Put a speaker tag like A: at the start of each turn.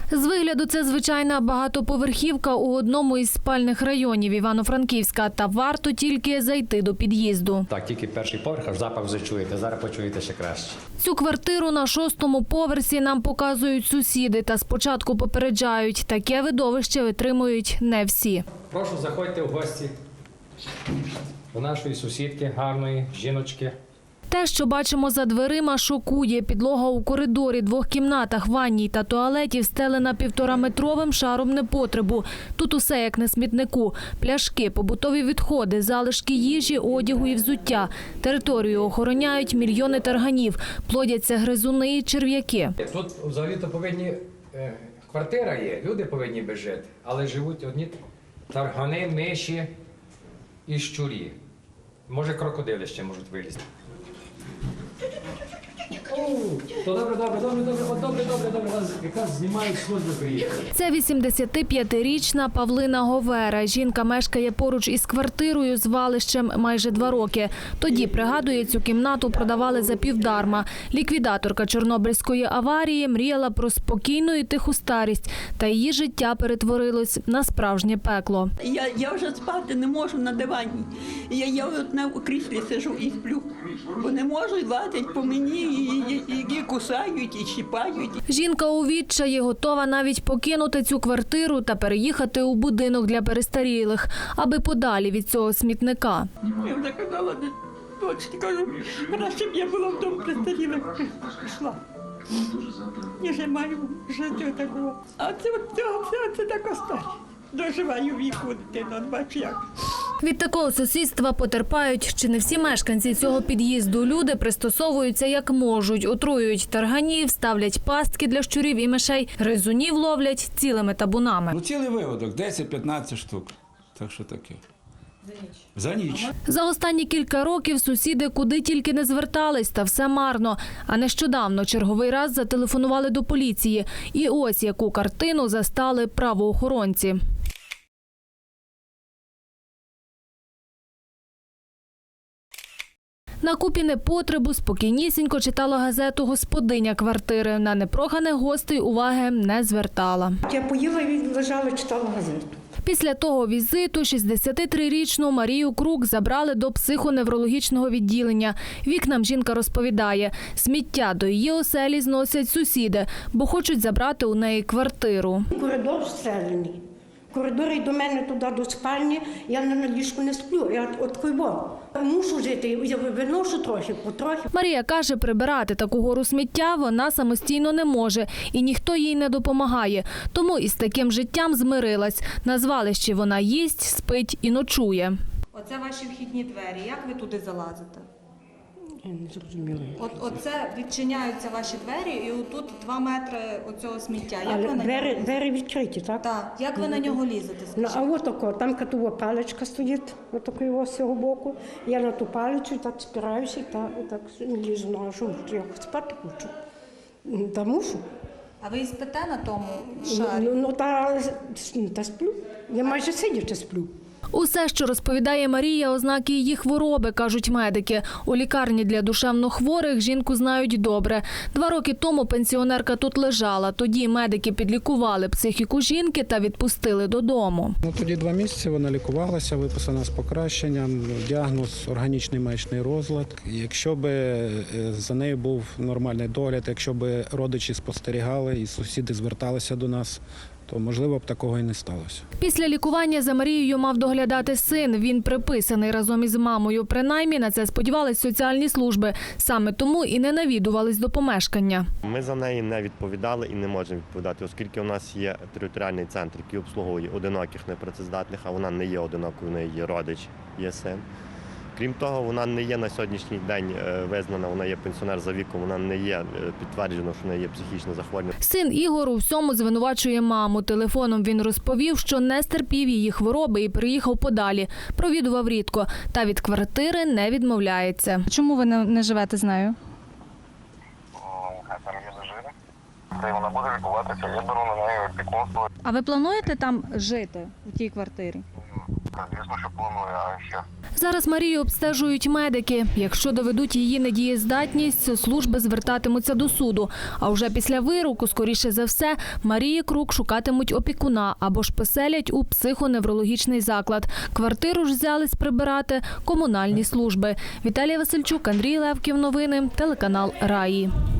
A: З вигляду це звичайна багатоповерхівка у одному із спальних районів Івано-Франківська. Та варто тільки зайти до під'їзду.
B: Так, тільки перший поверх, аж запах вже чуєте. Зараз почуєте ще краще.
A: Цю квартиру на 6-му поверсі нам показують сусіди. Та спочатку попереджають, таке видовище витримують не всі.
B: Прошу, заходьте в гості до нашої сусідки, гарної жіночки.
A: Те, що бачимо за дверима, шокує. Підлога у коридорі, 2 кімнатах, ванній та туалеті встелена 1,5-метровим шаром непотребу. Тут усе як на смітнику. Пляшки, побутові відходи, залишки їжі, одягу і взуття. Територію охороняють мільйони тарганів. Плодяться гризуни і черв'яки.
B: Тут взагалі-то повинні, квартира є, люди повинні би жити, але живуть одні таргани, миші і щурі. Може, крокодили ще можуть вилізти. Добре. Якраз знімають служби приїхали.
A: Це 85-річна Павлина Говера. Жінка мешкає поруч із квартирою з валищем майже 2 роки. Тоді, пригадує, цю кімнату продавали за півдарма. Ліквідаторка Чорнобильської аварії мріяла про спокійну і тиху старість. Та її життя перетворилось на справжнє пекло.
C: Я вже спати не можу на дивані. Я у кріслі сижу і сплю. Бо не можу, і лазять по мені, і кусають, і щіпають.
A: Жінка у відчаї готова навіть покинути цю квартиру та переїхати у будинок для перестарілих, аби подалі від цього смітника.
C: Я вже казала, дочці, кажу, краще б я була в дому престарілих пішла. Я вже маю жити такого. А це така старість. Доживаю віку дитину, бачу як.
A: Від такого сусідства потерпають чи не всі мешканці цього під'їзду. Люди пристосовуються як можуть, отруюють тарганів, ставлять пастки для щурів і мишей, гризунів ловлять цілими табунами.
D: Цілий виводок, 10-15 штук. Так що таке. За ніч.
A: За останні кілька років сусіди куди тільки не звертались, та все марно. А нещодавно черговий раз зателефонували до поліції. І ось яку картину застали правоохоронці. На купі непотребу спокійнісінько читала газету господиня квартири. На непроханих гостей уваги не звертала.
E: Я поїла і лежала, читала газету.
A: Після того візиту 63-річну Марію Крук забрали до психоневрологічного відділення. Вікнам жінка розповідає, сміття до її оселі зносять сусіди, бо хочуть забрати у неї квартиру.
E: Коридор встелений. Коридор і до мене туди, до спальні, я на ліжку не сплю, я мушу жити, я виношу трохи, потрохи.
A: Марія каже, прибирати таку гору сміття вона самостійно не може і ніхто їй не допомагає. Тому із таким життям змирилась. На звалищі вона їсть, спить і ночує.
F: Оце ваші вхідні двері. Як ви туди залазите?
E: Я не зрозуміла.
F: Оце відчиняються ваші двері і отут 2 метри оцього сміття. Як
E: Але
F: ви на нього?
E: двері відкриті, так?
F: Так. Як ви на нього лізете?
E: А от тако, там катова паличка стоїть, отакої з цього боку. Я на ту паличку так спираюся, так лізу, ну а що, я спати хочу. Та мушу.
F: А ви і спите на тому шарі?
E: Та сплю. Я майже сидячи сплю.
A: Усе, що розповідає Марія, ознаки її хвороби, кажуть медики. У лікарні для душевнохворих жінку знають добре. 2 роки тому пенсіонерка тут лежала. Тоді медики підлікували психіку жінки та відпустили додому.
G: Тоді 2 місяці вона лікувалася, виписана з покращенням, діагноз органічний маячний розлад. Якщо б за нею був нормальний догляд, якщо б родичі спостерігали і сусіди зверталися до нас, то, можливо, б такого і не сталося.
A: Після лікування за Марією мав доглядати син. Він приписаний разом із мамою. Принаймні, на це сподівались соціальні служби. Саме тому і не навідувались до помешкання.
H: Ми за неї не відповідали і не можемо відповідати, оскільки у нас є територіальний центр, який обслуговує одиноких непрацездатних, а вона не є одинокою, в неї є родич, є син. Крім того, вона не є на сьогоднішній день визнана, вона є пенсіонер за віком, вона не є підтверджено, що в неї є психічне захворювання.
A: Син Ігор у всьому звинувачує маму. Телефоном він розповів, що не стерпів її хвороби і приїхав подалі. Провідував рідко. Та від квартири не відмовляється.
I: Чому ви не живете з нею?
J: Хай там є зажире. Та вона буде лікуватися, я беру на неї опікунство.
I: А ви плануєте там жити, у тій квартирі?
J: Звісно, що планую, а ще.
A: Зараз Марію обстежують медики. Якщо доведуть її недієздатність, служби звертатимуться до суду. А вже після вироку, скоріше за все, Марії Крук шукатимуть опікуна або ж поселять у психоневрологічний заклад. Квартиру ж взялись прибирати комунальні служби. Віталія Васильчук, Андрій Левків. Новини. Телеканал Раї.